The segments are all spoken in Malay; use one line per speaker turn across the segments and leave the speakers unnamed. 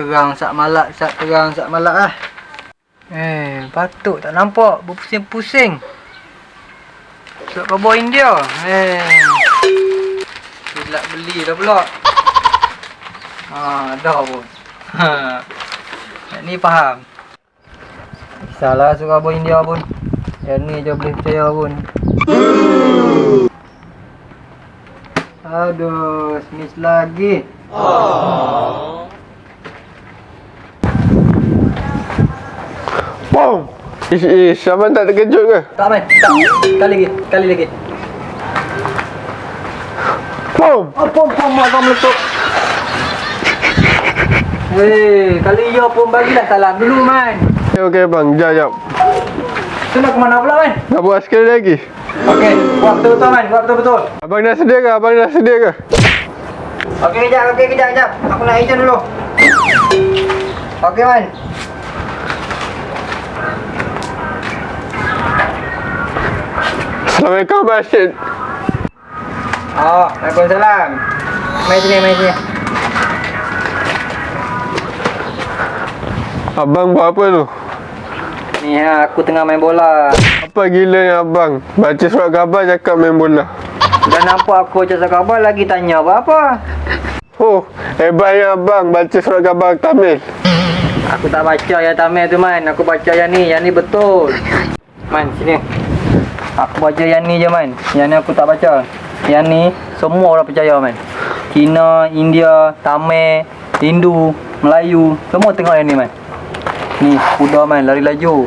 terang sak malak, lah. Patut tak nampak berpusing-pusing. Sok kau India. Silap beli dah pula. Dah pun. Ni faham. Salah suka kau India pun. Yang ni je boleh percaya pun. Aduh, miss lagi.
Wow. Abang tak terkejut ke?
Tak man, tak. Kali lagi.
Pom.
Pom abang meletup. Kali ya pun bagilah salam dulu man.
Okey bang, jap.
Tu nak ke mana pula man?
Nak buat sekali lagi.
Okey, buat betul-betul man, buat betul-betul.
Abang dah sedia ke?
Okey kejap. Aku nak ejen dulu. Okey man.
Assalamualaikum Abang Rashid.
Waalaikumsalam. Mai sini.
Abang buat apa tu?
Ni aku tengah main bola.
Apa gila ni abang? Baca surat khabar cakap main bola.
Dah nampak aku baca surat khabar lagi tanya apa-apa.
Oh, hebatnya abang baca surat khabar Tamil.
Aku tak baca yang Tamil tu man. Aku baca yang ni betul. Man, sini. Aku baca yang ni je man. Yang ni aku tak baca. Yang ni semua orang percaya man. Cina, India, Tamil, Hindu, Melayu, semua tengok yang ni man. Ni kuda man lari laju.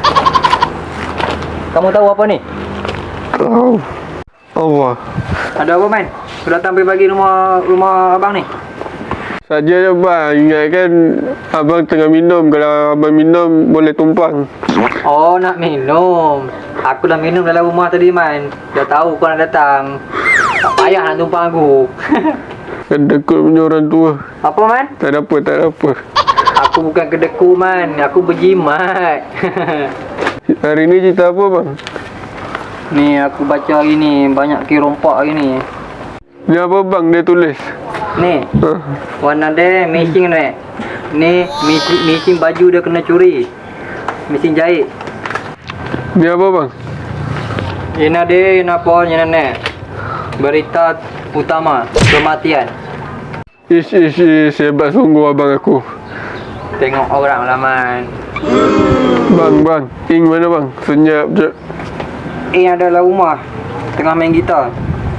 Kamu tahu apa ni?
Tahu. Allah.
Ada apa man? Sudah datang bagi rumah abang ni.
Saja je bang, ingatkan abang tengah minum. Kalau abang minum boleh tumpang.
Oh, nak minum. Aku dah minum dalam rumah tadi man. Dah tahu kau nak datang. Tak payah nak tumpang aku.
Kedekut punya orang tua.
Apa man?
Tak ada apa.
Aku bukan kedekut man. Aku berjimat.
Hari ni cerita apa bang?
Ni aku baca hari ni. Banyak kirompak hari ni.
Ni apa bang dia tulis?
Ni warna dia missing ni. Ni missing baju dia kena curi. Missing jahit.
Ni apa bang?
Ini dia apa ni? Berita utama kematian.
Ish, hebat sungguh abang aku.
Tengok orang lah man.
Bang, Ing mana bang? Senyap je.
Ada dalam rumah tengah main gitar.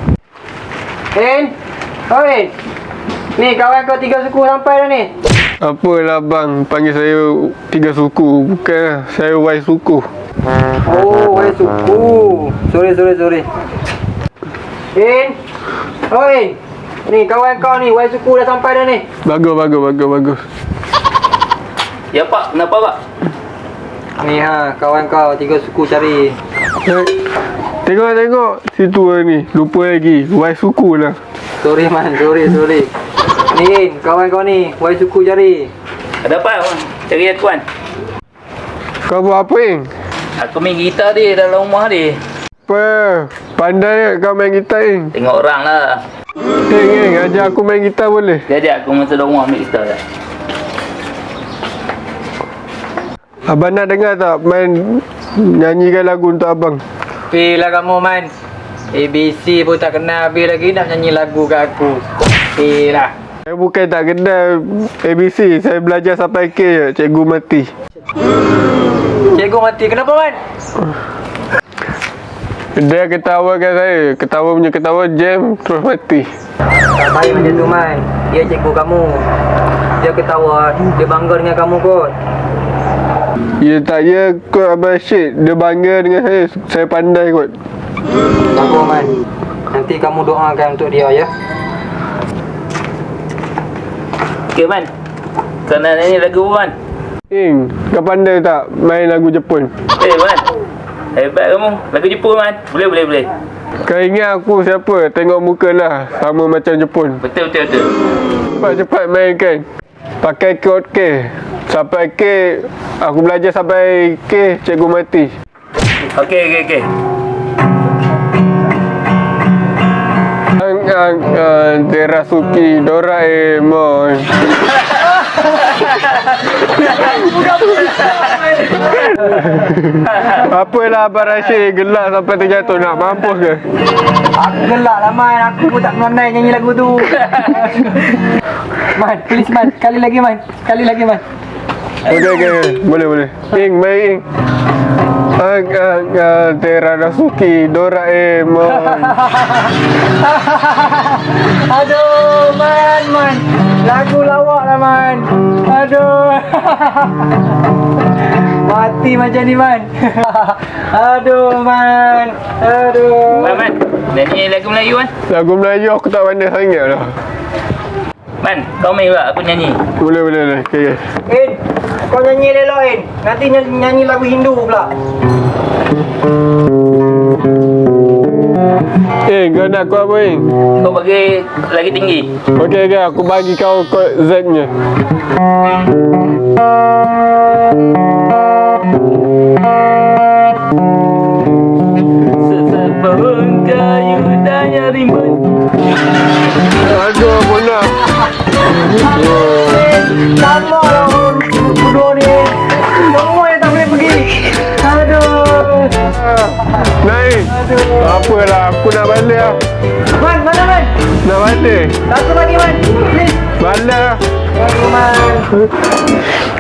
Oi. Ni kawan kau 3 suku sampai dah ni.
Apalah bang, panggil saya 3 suku. Bukan, saya Y suku.
Oh, Y suku. Sorry. Oi. Ni kawan kau ni Y suku dah sampai dah ni.
Bagus.
Ya pak, kenapa pak?
Ni kawan kau 3 suku cari.
Tengok situ ni. Lupa lagi. Y suku lah.
Sorry man, sorry. Ni kawan kau ni Y suku cari.
Ada apa? Cari aku kan?
Kau buat apa Ing?
Aku main gitar dia dalam rumah dia.
Apa? Pandai kau main gitar Ing?
Tengok orang lah.
Ing, ajar aku main gitar boleh?
Dia ajak aku masuk dalam rumah ambil gitar lah.
Abang nak dengar tak main nyanyikan lagu untuk abang?
Pilah kamu man. ABC pun tak kenal habis lagi nak nyanyi lagu kat aku. Pilah.
Saya bukan tak kenal ABC. Saya belajar sampai K je. Cikgu mati.
Cikgu mati. Kenapa man?
Dia ketawakan saya. Ketawa jam terus mati.
Tak baik macam tu man. Dia cikgu kamu. Dia ketawa. Dia bangga dengan kamu kot.
Ya tak ya kot Abang Rashid. Dia bangga dengan saya. Saya pandai kot.
Bagus man. Nanti kamu doakan untuk dia ya.
Okey man. Kau nak nyanyi lagu man?
Ing, kau pandai tak main lagu Jepun?
Man. Hebat kamu. Lagu Jepun man. Boleh.
Kau ingat aku siapa? Tengok muka lah. Sama macam Jepun.
Betul.
Cepat mainkan. Pakai kod K. Sampai K. Aku belajar sampai K. Cikgu mati.
Okey.
Terasuki Doraemon. Apalah Abang Rashid gelak sampai terjatuh, nak mampus ke?
Aku gelak lah Man, aku pun tak pandai nyanyi lagu tu. Man, please Man, sekali lagi Man. Sekali lagi Man.
Okey. Boleh. Ing, main Ing. Teradasuki Doraemon.
Aduh, Man. Lagu lawak lah Man. Aduh. Mati macam ni Man. Aduh Man. Aduh.
Man, nyanyi lagu Melayu Man.
Lagu Melayu aku tak pandai sangat lah.
Man, kau main pula, aku nyanyi.
Boleh. Okey.
In, kau nyanyi elok In. Nanti nyanyi lagu Hindu pula.
Kau nak aku apa Ing?
Kau bagi lagi tinggi.
Okey, aku bagi kau kod Z-nya.
Sesepuh kayu daya rimbun.
Aduh, Bona.
Sama lah bodoh ni. Semua yang tak boleh pergi. Aduh.
Naik. Apalah, aku nak balik lah.
Man, mana Man?
Nak balik.
Satu lagi Man. Please.
Balik lah.
Aduh Man.